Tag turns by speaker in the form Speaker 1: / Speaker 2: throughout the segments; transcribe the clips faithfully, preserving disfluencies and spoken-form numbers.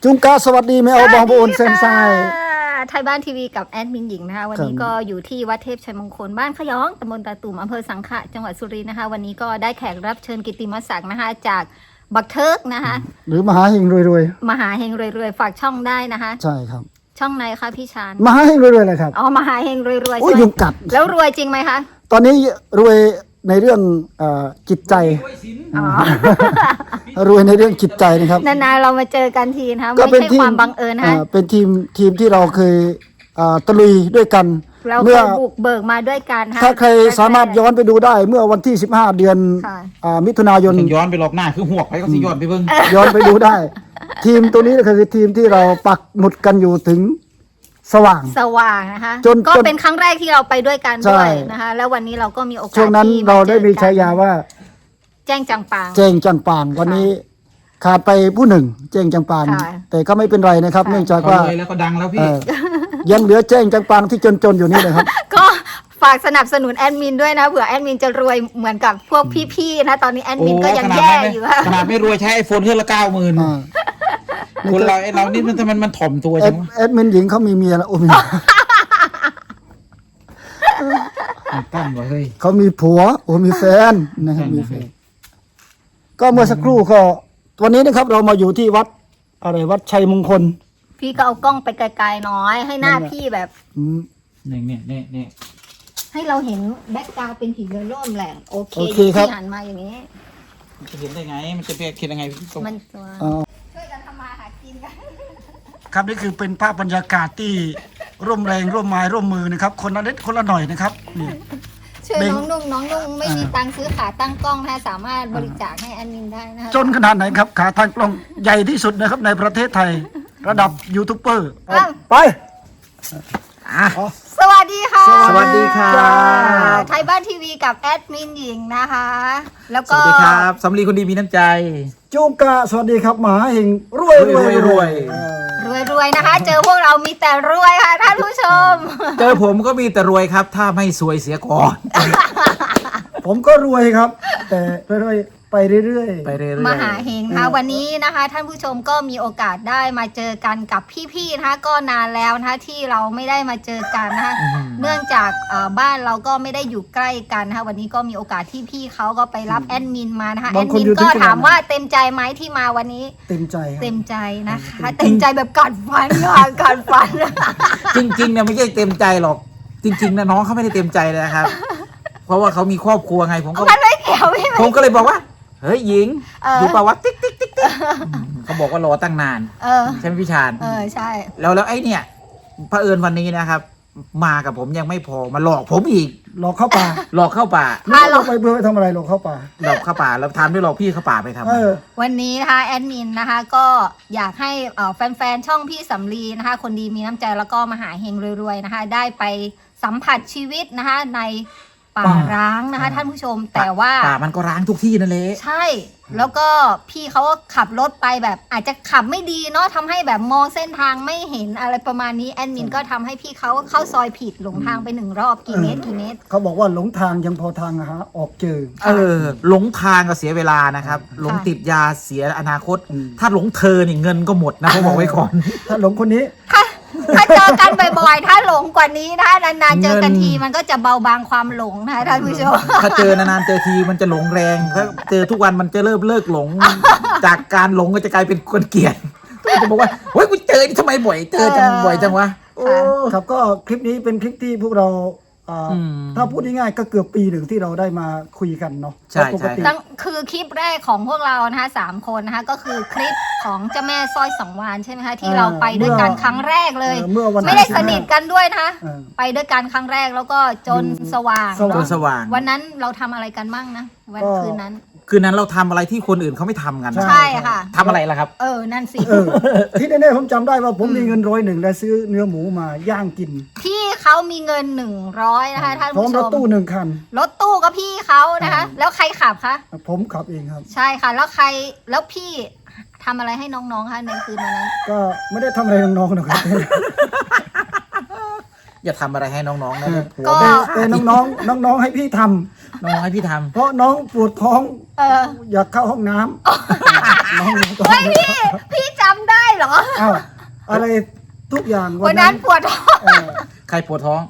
Speaker 1: จุงกาสวัสดีแม่เอาบองโอนเซนไซ
Speaker 2: ไทยบ้านทีวีกับแอดมินหญิงนะคะวันนี้ก็อยู่ที่วัดเทพชัยมงคลบ้านขยองตำบลตาตุ่มอำเภอสังขะจังหวัดสุรินทร์นะคะวันนี้ก็ได้แขกรับเชิญกิตติมศักดิ์นะคะจากบักเทิกนะคะ
Speaker 1: หรือมหาเฮงรวย
Speaker 2: ๆมหาเฮงรวยๆฝากช่องได้นะคะ
Speaker 1: ใช่ครับ
Speaker 2: ช่องไหนคะพี่ชาน
Speaker 1: มหาเฮงรวยๆเลยครับ
Speaker 2: อ๋อมหาเฮงรวยๆ
Speaker 1: โอ้ยยุงกัด
Speaker 2: แล้วรวยจริงไหมคะ
Speaker 1: ตอนนี้รวยในเรื่องจิตใจรวยในเรื่องจิตใจนะครับ
Speaker 2: นานๆเรามาเจอกันทีนะคะไม่ใช่ความบังเอิญนะคะ
Speaker 1: เป็นทีมทีมที่เราเคยตะลุยด้วยกัน
Speaker 2: เราเคยบุกเบิกมาด้วยกัน
Speaker 1: ถ้าใครสามารถย้อนไปดูได้เมื่อวันที่สิบห้าเดือนมิถุนายน
Speaker 3: ย้อนไปหลอกหน้าคือหวกไปก็สิย้อนไปเบิ่ง
Speaker 1: ย้อนไปดูได้ทีมตัวนี้คือทีมที่เราปักหมุดกันอยู่ถึงสว่าง
Speaker 2: สว่างนะคะก็เป็นครั้งแรกที่เราไปด้วยกันด้วยนะคะแล้ววันนี้เราก็มีโอกาส
Speaker 1: ช่วงนั้นเราได้มีฉายาว่า
Speaker 2: แจ้งจังปาง
Speaker 1: แจ้งจังปางวันนี้ขาดไปผู้หนึ่งแจ้งจังปางแต่ก็ไม่เป็นไรนะครับเนื่องจากว่า
Speaker 3: แล้วก็ดังแล้วพี่
Speaker 1: ยังเหลือแจ้งจังปางที่จนๆอยู่นี่นะครับ
Speaker 2: ก็ฝากสนับสนุนแอดมินด้วยนะเผื่อแอดมินจะรวยเหมือนกับพวกพี่ๆนะตอนนี้แอดมินก็ยังแย่อยู่
Speaker 3: ขนาดไม่รวยใช้ไอโฟนเครื่องละเก้าหมื่นคนเราไอเรานี่มันทำไมมันถ่อมตัวจัง
Speaker 1: แอดมินหญิงเขามีเมียแล้วโอ้มี
Speaker 3: ตั้งไว้เฮ้ย
Speaker 1: เขามีผัวโอ้มีแฟนนะครับมีแฟนก็เมื่อสักครู่ก็วันนี้นะครับเรามาอยู่ที่วัดอะไรวัดชัยมงคล
Speaker 2: พี่ก็เอากล้องไปไกลๆน้อยให้หน้าพี่แบบ
Speaker 3: เนี่ยเนี่ยเนี่ยเนี่ย
Speaker 2: ให้เราเห็นแบ็คกราวด์เป็นผีเรือร่มแหละโอเค
Speaker 1: พี่
Speaker 2: หันมาอย่างนี้
Speaker 3: มันจะเห็นได้ไงมันจะเป็นคิดยังไง
Speaker 2: มันตัวช่วยกันทำมาหากินกัน
Speaker 1: ครับนี่คือเป็นภาพบรรยากาศที่ร่วมแรงร่วมไม้ร่วมมือนะครับคนละเล็กคนละหน่อยนะครับนี่
Speaker 2: ช่วยน้องนุ่งน้องนุ่งไม่มีตังค์ซื้อขาตั้งกล้องนะสามารถบริจาคให้แอดมินได้นะ
Speaker 1: จนขนาดไหนครับขาตั้งกล้องใหญ่ที่สุดนะครับในประเทศไทยระดับยูทูบเบอร์ไป
Speaker 2: สวัสดีค่ะ
Speaker 3: สวัสดีค่ะ
Speaker 2: ไทยบ้านทีวีกับแอดมินหญิงนะคะแล้วก็
Speaker 3: สวัสดีครับสำลีคนดีมีน้ำใจ
Speaker 1: จุกะสวัสดีครับหมาเฮงรวยรวยรวย
Speaker 2: รวยรวยนะคะเจอพวกเรามีแต่รวยค่ะท่านผู้ชม
Speaker 3: เจอผมก็มีแต่รวยครับถ้าไม่สวยเสียก่อน
Speaker 1: ผมก็รวยครับแต่รวยไปเรื่อย
Speaker 3: ๆไปเรื่อย
Speaker 2: ๆมหาเฮงนะคะวันนี้นะคะท่านผู้ชมก็มีโอกาสได้มาเจอกันกับพี่ๆนะคะก็นานแล้วนะคะที่เราไม่ได้มาเจอกันนะคะเนื่องจากบ้านเราก็ไม่ได้อยู่ใกล้กันนะคะวันนี้ก็มีโอกาสที่พี่เขาก็ไปรับแอดมินมานะคะแอดมินก็ถามว่าเต็มใจไหมที่มาวันนี้
Speaker 1: เต็มใจ
Speaker 2: เต็มใจนะคะเต็มใจแบบกัดฟันค่ะกัดฟัน
Speaker 3: จริงๆเนี่ยไม่ใช่เต็มใจหรอกจริงๆนะน้องเขาไม่ได้เต็มใจเลยครับเพราะว่าเขามีครอบครัวไงผมก็
Speaker 2: ไม่เกี่ยว
Speaker 3: ผมก็เลยบอกว่าเฮ้ยหญิงอยู่ป่าวะติ๊กติ๊กติ๊กติ๊กเขาบอกว่ารอตั้งนานใช่ไหมพี่ชาญ
Speaker 2: เออใช่
Speaker 3: แล้วแล้วไอ้เนี่ยเผอิญวันนี้นะครับมากับผมยังไม่พอมาหลอกผมอีก
Speaker 1: หลอกเข้าป่า
Speaker 3: หลอกเข้าป่า
Speaker 1: หลอกไปเพื่อไปทำอะไรหลอกเข้าป่า
Speaker 3: หลอกเข้าป่าแล้วทำด้วยหลอกพี่เข้าป่าไปท
Speaker 2: ำวันนี้นะคะแอดมินนะคะก็อยากให้แฟนๆช่องพี่สำลีนะคะคนดีมีน้ำใจแล้วก็มหาเฮงรวยๆนะคะได้ไปสัมผัสชีวิตนะคะในป่าร้างนะคะท่านผู้ชมแต่ว่า
Speaker 3: ป่ามันก็ร้างทุกที่นั่นแหละ
Speaker 2: ใช่แล้วก็พี่เขาก็ขับรถไปแบบอาจจะขับไม่ดีเนาะทำให้แบบมองเส้นทางไม่เห็นอะไรประมาณนี้แอดมินก็ทำให้พี่เขาเข้าซอยผิดหลงทางไปหนึ่งรอบกี่เมตรกี่เมตร
Speaker 1: เขาบอกว่าหลงทางยังพอทางอะฮะออกเจอ
Speaker 3: เออหลงทางก็เสียเวลานะครับหลงติดยาเสียอนาคตถ้าหลงเธอนี่เงินก็หมดนะเขาบอกไว้ก่อน
Speaker 1: ถ้าหลงคนนี้
Speaker 2: ถ้าเจอกันบ่อยๆถ้าหลงกว่านี้ถ้านานๆเจอกันทีมันก็จะเบาบางความหลงนะท่านผู้ชม
Speaker 3: ถ้าเจอนานๆเจอทีมันจะหลงแรงถ้าเจอทุกวันมันจะเริ่มเลิกหลงจากการหลงก็จะกลายเป็นคนเกลียดจะบอกว่าเฮ้ยกูเจอนี่ทำไมบ่อยเจอจังบ่อยจังวะ
Speaker 1: ครับก็คลิปนี้เป็นคลิปที่พวกเราถ้าพูดง่ายๆก็เกือบปีหนึ่งที่เราได้มาคุยกันเนาะ
Speaker 3: ใช่ใช่
Speaker 2: คือคลิปแรกของพวกเรานะคะสามคนนะคะก็คือคลิปของเจ้าแม่สร้อยสองวานใช่ไหมคะที่เราไปด้วยกันครั้งแรกเลยไม่ได้สนิทกันด้วยนะคะไปด้วยกันครั้งแรกแล้วก็จนสว่าง
Speaker 3: จนสว่าง
Speaker 2: วันนั้นเราทำอะไรกันบ้างนะวันคืนนั้น
Speaker 3: คืนนั้นเราทำอะไรที่คนอื่นเขาไม่ทำกัน
Speaker 2: ใช่ค่ะ
Speaker 3: ทำอะไรล่ะครับ
Speaker 2: เออนั่นสิ
Speaker 1: ที่แน่ๆผมจำได้ว่าผมมีเงินร้อยหนึ่งและซื้อเนื้อหมูมาย่างกิน
Speaker 2: พี่เขามีเงินหนึ่งร้อยนะคะท่านผู้ชม
Speaker 1: พร้อมรถตู้หนึ่งคัน
Speaker 2: รถตู้ก็พี่เขานะคะแล้วใครขับคะ
Speaker 1: ผมขับเองครับ
Speaker 2: ใช่ค่ะแล้วใครแล้วพี่ทำอะไรให้น้องๆคะในคืนวันนั้น
Speaker 1: ก็ไม่ได้ทำอะไรน้องๆนะครับ
Speaker 3: อย่าทำอะไรให้น้องๆนะ
Speaker 1: ก็แต่น้องๆน้องๆให้พี่ทำ
Speaker 3: น้องให้พี่ทำ
Speaker 1: เพราะน้องปวดท้องอยากเข้าห้องน้ำ
Speaker 2: เฮ้ยพี่พี่จำได้เหรอ
Speaker 1: อ้าวอะไรทุกอย่าง
Speaker 2: วันนั้นปวดท้อง
Speaker 1: เออ
Speaker 3: ใครปวดท้อง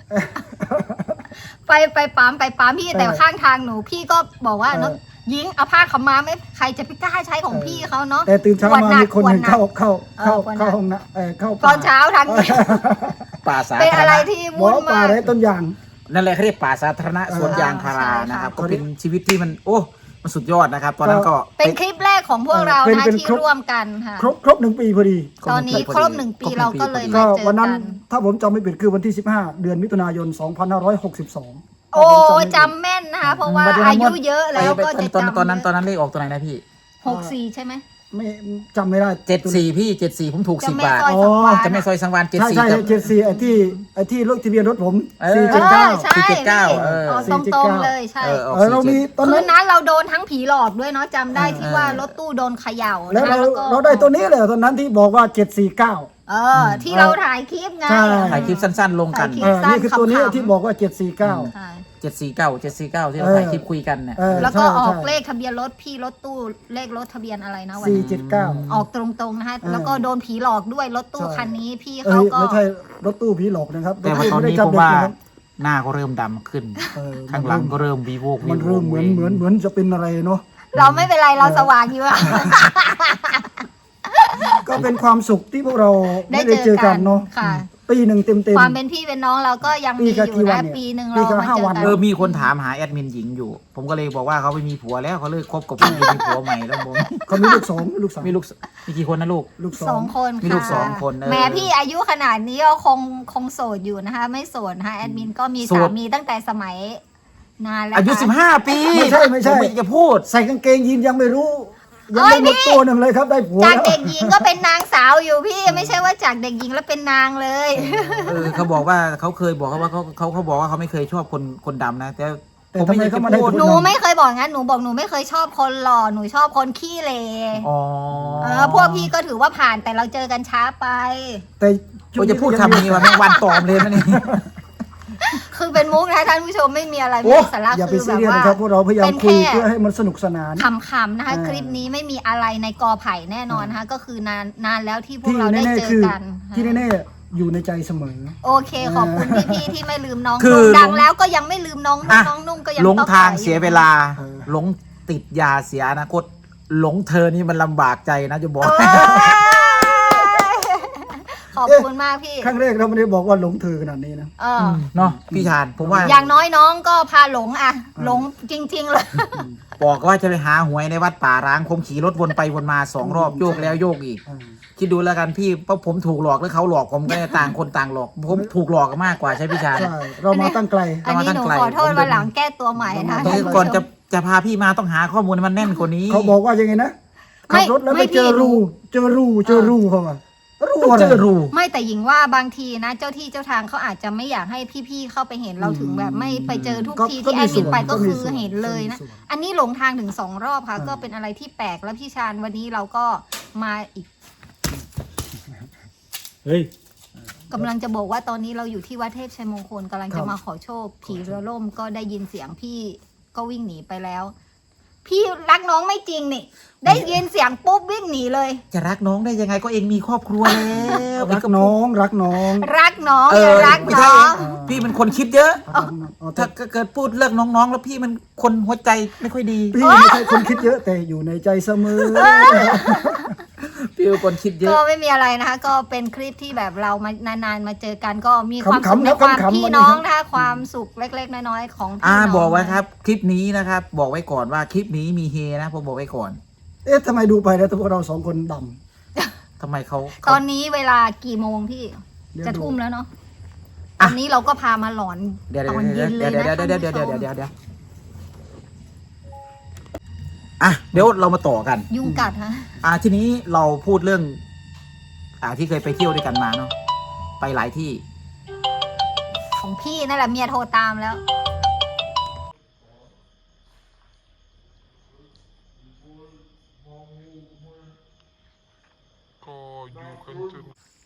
Speaker 2: ไปไปปั๊มไปปั๊มพี่
Speaker 1: เออ
Speaker 2: แต่ข้างทางหนูพี่ก็บอกว่า
Speaker 1: เออ
Speaker 2: เนาะยิงเอาผ้าขาวมาไม่ใครจะไปกล้าใช้ของ
Speaker 1: เออ
Speaker 2: พี่เขาเนาะ
Speaker 1: แต่ตื่นเช้า
Speaker 2: ปวด
Speaker 1: มา
Speaker 2: หนัก
Speaker 1: มีคนหนึ่ง
Speaker 2: ปวดหนัก
Speaker 1: เข้าเข้าเข้า
Speaker 2: เออปวดหนัก
Speaker 1: เข้าห้องนะเออเข้า
Speaker 2: ตอนเช้าทางนี้
Speaker 3: ป่าสา
Speaker 2: เป็น
Speaker 3: ธา
Speaker 2: อะไร
Speaker 3: รณะ
Speaker 2: ที่
Speaker 1: บอ
Speaker 2: วุ่
Speaker 1: ก
Speaker 2: น
Speaker 1: ว่าป่าม
Speaker 2: าก
Speaker 1: ไรต้นยาง
Speaker 3: นั่นแหละเขาเรียกป่าสาธารณะ
Speaker 1: เออ
Speaker 3: สวนยางพารา
Speaker 2: ใช่ค่ะ
Speaker 3: นะครับ ก็เป็นชีวิตที่มัน โอ้มันสุดยอดนะครับ ตอนนั้นก็
Speaker 2: เป็นคลิปแรกของพวกเรา
Speaker 1: เป็น
Speaker 2: นะ
Speaker 1: เป็น
Speaker 2: ที่
Speaker 1: ครบ
Speaker 2: ร่วมกันค่ะ
Speaker 1: ครบครบหนึ่งปีพอดี
Speaker 2: ตอนนี้ครบหนึ่งปีเราก็เลย
Speaker 1: ก็
Speaker 2: มาเจอ
Speaker 1: วันนั้น
Speaker 2: กัน
Speaker 1: ถ้าผมจำไม่ผิดคือวันที่สิบห้าเดือนมิถุนายนสองพันห้าร้อยหกสิบสอง
Speaker 2: โอ้จำแม่นนะคะ เพราะว่าอายุเยอะแล้วก็จะ
Speaker 3: ตอน
Speaker 2: จำ
Speaker 3: ตอนนั้นตอนนั้นเลขออกตัวไหนนะพี่
Speaker 2: หกสี่ใช่ไหม
Speaker 1: ไม่จำไม่ได้
Speaker 3: เจ็ดสี่พี่เจ็ดสี่ผมถูก
Speaker 2: จะ
Speaker 3: สิบ
Speaker 2: แม่
Speaker 3: บาท
Speaker 2: ซอยสังวาล
Speaker 3: จะไม่ซอยสังวานเจ็ด
Speaker 1: ใช่
Speaker 3: สี่
Speaker 1: ใช่
Speaker 3: กับ
Speaker 1: เจ็ดสี่ไอ้ที่ไอ้ที่รถทะเบียนรถผม
Speaker 3: เออ
Speaker 1: สี่
Speaker 2: เอ
Speaker 1: เจ็ดเก้า
Speaker 2: อใช่
Speaker 3: สี่เจ็ดเก้า
Speaker 2: พี่
Speaker 3: เออ
Speaker 2: ออกตรงๆเลยใช่
Speaker 3: เออออก
Speaker 1: เออเรามี
Speaker 3: สี่เจ็ด
Speaker 1: ตอน
Speaker 2: คื
Speaker 1: นั้น
Speaker 2: นนั้นเราโดนทั้งผีหลอกด้วยเนาะจำได้ที่
Speaker 3: เออ
Speaker 2: ว่ารถตู้โดนเขย่า
Speaker 1: แล้วเรา
Speaker 2: ก็
Speaker 1: เราได้ตัวนี้เลยตอนนั้นที่บอกว่าเจ็ดสี่เก้า
Speaker 2: เออ ที่เราถ่ายคลิปไง
Speaker 1: ใช่
Speaker 3: ถ่ายคลิปสั้นๆ ลงกัน
Speaker 2: ถ่ายคลิ
Speaker 1: เออนี่คือตัวนี้
Speaker 2: ขำๆ
Speaker 1: ที่บอกว่าเจ็ดสี่เก้า
Speaker 2: ใช่
Speaker 3: เจ็ดสี่เก้าเจ็ดสี่เก้าที่เรา
Speaker 1: เออ
Speaker 3: ถ่ายคลิปคุยกันเนี่ย
Speaker 1: เออ
Speaker 2: แล้วก็
Speaker 1: ใช่
Speaker 2: ออก
Speaker 1: ใช่
Speaker 2: เลขทะเบียนรถพี่รถตู้เลขรถทะเบียนอะไรนะวัน
Speaker 1: สี่
Speaker 2: นั้น
Speaker 1: เจ็ดเก้า
Speaker 2: ออกตรงๆนะคะ
Speaker 1: เออ
Speaker 2: แล้วก็โดนผีหลอกด้วยรถตู้
Speaker 1: ใช่
Speaker 2: คันนี้พี่
Speaker 1: เอ้
Speaker 2: เขา
Speaker 1: ย
Speaker 2: ก็
Speaker 1: ไม่ใช่รถตู้ผีหลอกนะครับ
Speaker 3: แต่ว่าตอนนี้
Speaker 1: จั
Speaker 3: ผมว่า
Speaker 1: เด็กนะครับ
Speaker 3: หน้าก็เริ่มดำขึ้น
Speaker 1: เออ
Speaker 3: ข้างหลังก็เริ่มวีโวกวี
Speaker 1: มัน
Speaker 3: โว
Speaker 1: เริ่มเหมือนเหมือนเหมือนจะเป็นอะไรเนาะ
Speaker 2: เราไม่เป็นไรเราสว่างอยู่อะ
Speaker 1: ก็เป็นความสุขที่พวกเรา
Speaker 2: ได้
Speaker 1: ไม่ได้
Speaker 2: เจ
Speaker 1: เจ
Speaker 2: อ
Speaker 1: อ
Speaker 2: กั
Speaker 1: กัน นเนาะ
Speaker 2: ค่ะ
Speaker 1: ปีหนึ่งเต็มเต็ม
Speaker 2: ความเป็นพี่เป็นน้องเราก็ยัง
Speaker 1: ปี
Speaker 2: มี
Speaker 1: กับ
Speaker 2: อยู่
Speaker 1: กี่วั
Speaker 2: นะ
Speaker 1: นเนี่ย
Speaker 2: ปีหนึ่ง
Speaker 1: ปี
Speaker 2: เรา
Speaker 1: กับ
Speaker 2: มา
Speaker 1: ห้า
Speaker 2: เจอ
Speaker 1: วัน
Speaker 2: กัน
Speaker 3: เออมีคนถามหาแอดมินหญิงอยู่ ผมก็เลยบอกว่าเขาไปมีผัวแล้วเขาเลิกคบกับผู้หญิงมีผัวใหม่แล้วผม
Speaker 1: เขามีลูกสองมีลูกสาม
Speaker 3: มีลูกมีกี่คนนะลูก
Speaker 1: ลูกส
Speaker 2: ส
Speaker 1: อ
Speaker 2: อง งคน
Speaker 3: มี
Speaker 2: ค่ะ
Speaker 3: ลูกสองคนเออ
Speaker 2: แม่พี่อายุขนาดนี้ก็คงคงโสดอยู่นะคะ ไม่โสดนะคะแอดมินก็มี
Speaker 3: โส
Speaker 2: สา
Speaker 3: ด
Speaker 2: มีตั้งแต่สมัยนานแล้ว
Speaker 3: อายุ
Speaker 2: ค่ะ
Speaker 3: สิบห้าปี
Speaker 1: ไม่ใช่ไม่ใช่
Speaker 3: ผจะพูด
Speaker 1: ใส่กางเกงยีนยังไม่รู้ ยัง
Speaker 2: เอ้ย
Speaker 1: ไม่หมด
Speaker 2: พี่
Speaker 1: ตัวหนึ่งเลยครับได้ผัว
Speaker 2: จาก
Speaker 1: แล้ว
Speaker 2: เด็กหญิงก็เป็นนางสาวอยู่พี่ไม่ใช่ว่าจากเด็กหญิงแล้วเป็นนางเลย
Speaker 3: เออเขาบอกว่าเขาเคยบอกเขาว่าเขาเขาเขาบอกว่าเขาไม่เคยชอบคนคนดำนะ แต่
Speaker 1: แต่
Speaker 3: ผม
Speaker 1: ทำไม
Speaker 3: อยาก
Speaker 1: เขา
Speaker 3: จะ
Speaker 1: มาได้
Speaker 3: พูด
Speaker 1: ผัว
Speaker 2: หนูไม่เคยบอกงั้นหนูบอกหนูไม่เคยชอบคนหล่อหนูชอบคนขี้เล
Speaker 3: อ๋อ
Speaker 2: เออพวกพี่ก็ถือว่าผ่านแต่เราเจอกันช้าไป
Speaker 1: แต่
Speaker 3: โอ้ยจะพูดคำนี้ว่าแม่งวันตอมเลยนะนี่
Speaker 2: คือเป็นมุกนะท่านผู้ชมไม่มีอะไร
Speaker 3: โอ้
Speaker 2: ไม่มีสาระ
Speaker 1: อย่าไป
Speaker 2: คือ
Speaker 1: ซี
Speaker 2: แบบ
Speaker 1: เรียส
Speaker 2: ว่า
Speaker 1: นะครับพวกเราพยายาม
Speaker 2: เป็น
Speaker 1: คุย
Speaker 2: แค่
Speaker 1: เพื่อให้มันสนุกสนาน
Speaker 2: ขำๆนะคะ
Speaker 1: อ่า
Speaker 2: คลิปนี้ไม่มีอะไรในกอไผ่แน่นอนนะคะก็คือนานนานแล้วที่พวก
Speaker 1: ที่
Speaker 2: เราได้
Speaker 1: แน่
Speaker 2: เจ
Speaker 1: ๆ
Speaker 2: อ
Speaker 1: คือ
Speaker 2: กัน
Speaker 1: ที่แน่ๆอยู่ในใจเสมอ
Speaker 2: โอเคขอบคุณพี่ๆที่ไม่ลืมน้อง
Speaker 3: คือ
Speaker 2: นุ่งดังแล้วก็ยังไม่ลืมน้องนุ่ง
Speaker 3: อ่ะ
Speaker 2: น้องนุ่งก็ยัง
Speaker 3: หลง
Speaker 2: ต้อง
Speaker 3: ทาง
Speaker 2: ใอ
Speaker 3: เสียเวลา
Speaker 1: เออ
Speaker 3: หลงติดยาเสียอนาคตหลงเธอนี่มันลำบากใจนะจะบอก
Speaker 2: เอ้ยขอบคุณมากพี่
Speaker 1: ครั้งแรกเราไม่ได้บอกว่าหลงเธอขนาดนี้นะ
Speaker 2: เออ
Speaker 3: เนาะพี่ชานผมว่า
Speaker 2: อย่างน้อยน้องก็พาหลงอะหลงจริง ๆ เลย
Speaker 3: บอกว่าจะไปหาหวยในวัดป่าร้างผมขี่รถวนไปวนมาสองรอบโยกแล้วโยกอีก
Speaker 1: อ่า
Speaker 3: คิดดูแล้วกันพี่เพราะผมถูกหลอกหรือเขาหลอกผมก็ต่างคนต่างหลอก ผมถูกหลอกกันมากกว่าใช่พี่ชาน
Speaker 1: ใช่เรามาตั้งไกล
Speaker 2: อันนี้หนูขอโทษวันหลังแก้ตัวใหม่นะ
Speaker 3: ตรงนี้ก่อนจะจะพาพี่มาต้องหาข้อมูลให้มันแน่นกว่านี้
Speaker 1: เขาบอกว่ายังไงนะขับรถแล้วไปเจอรูเจอรูเจอรูเขาว่ารู
Speaker 3: ต้อง
Speaker 1: อะไร
Speaker 3: เจอรู
Speaker 2: ไม่แต่หญิงว่าบางทีนะเจ้าที่เจ้าทางเขาอาจจะไม่อยากให้พี่ๆเข้าไปเห็นเราถึงแบบไม่ไปเจอทุกทีที่แอดมินไปก็คือเห็นเลยนะ อันนี้หลงทางถึงสองรอบค่ะ ก็เป็นอะไรที่แปลกแล้วพี่ชาญวันนี้เราก็มาอีก
Speaker 1: เฮ้ย
Speaker 2: กำลังจะบอกว่าตอนนี้เราอยู่ที่วัดเทพชัยมงคลกำลัง
Speaker 1: ครั
Speaker 2: จะ
Speaker 1: บ
Speaker 2: มาขอโชคผีเรือล่มก็ได้ยินเสียงพี่ก็วิ่งหนีไปแล้ว พี่รักน้องไม่จริงนี่ ได้ยินเสียงปุ๊บวิ่งหนีเลย
Speaker 3: จะรักน้องได้ยังไงก็เองมีครอบครัวแล้ว
Speaker 1: รักน้องรักน้อง
Speaker 2: รักน้อง
Speaker 3: เอ
Speaker 2: อย่า
Speaker 3: อ
Speaker 2: รัก
Speaker 3: ไม่
Speaker 2: น้
Speaker 3: ใช่
Speaker 2: อง
Speaker 3: พี่เป็นคนคิดเยอะ
Speaker 1: อ๋อแต่
Speaker 3: ถ้าเกิดพูดเรื่องน้องๆ แล้วพี่มันคนหัวใจไม่ค่อยดี
Speaker 1: พี่ไม่ใช่คนคิดเยอะแต่อยู่ในใจเสมอ
Speaker 3: พี่เป็นคนคิดเย
Speaker 2: ก็
Speaker 3: อะ
Speaker 2: ไม่มีอะไรนะคะ ก็เป็นคลิปที่แบบเรามานานๆมาเจอกันก็มีความสุข
Speaker 1: ขำๆ
Speaker 2: ใน
Speaker 1: ครับ
Speaker 2: ความ
Speaker 1: ขำๆ
Speaker 2: พี่
Speaker 1: วันนี้
Speaker 2: น้อง
Speaker 1: ครับ
Speaker 2: นะคะความสุขเล็กๆน้อยๆของพี่
Speaker 3: อ่า
Speaker 2: น้อง
Speaker 3: บอกไว้ครับ คลิปนี้นะครับ บอกไว้ก่อนว่าคลิปนี้มีเฮนะผมบอกไว้ก่อน
Speaker 1: เอ๊ะทำไมดูไปแล้วพวกเราสองคนด
Speaker 3: ทำไมเขา
Speaker 2: ต
Speaker 3: เขา
Speaker 2: อนนี้เวลากี่โมงพี่
Speaker 1: ำเดี๋ยว
Speaker 2: จะ
Speaker 1: ดู
Speaker 2: ทุ่มแล้วเนาะต
Speaker 3: อ่ะ
Speaker 2: อนนี้เราก็พามาหลอน
Speaker 3: เดี๋ยว
Speaker 2: ตอน
Speaker 3: เดี๋
Speaker 2: เย็
Speaker 3: ยวน
Speaker 2: เล
Speaker 3: เดี๋ย
Speaker 2: ยว นะ
Speaker 3: เดี๋ยวเดี๋ยว
Speaker 2: ท่าน
Speaker 3: เดี๋ยว
Speaker 2: ผู้
Speaker 3: เดี๋ยว
Speaker 2: ชม
Speaker 3: เดี๋ยวเดี๋ยวอ่ะเดี๋ยวเรามาต่อกัน
Speaker 2: ยุงกัดฮะ
Speaker 3: อ่าทีนี้เราพูดเรื่อง อ่าที่เคยไปเที่ยวด้วยกันมาเนาะไปหลายที่
Speaker 2: ของพี่นั่นแหละเมียโทรตามแล้ว
Speaker 4: ก็อยู่กันจน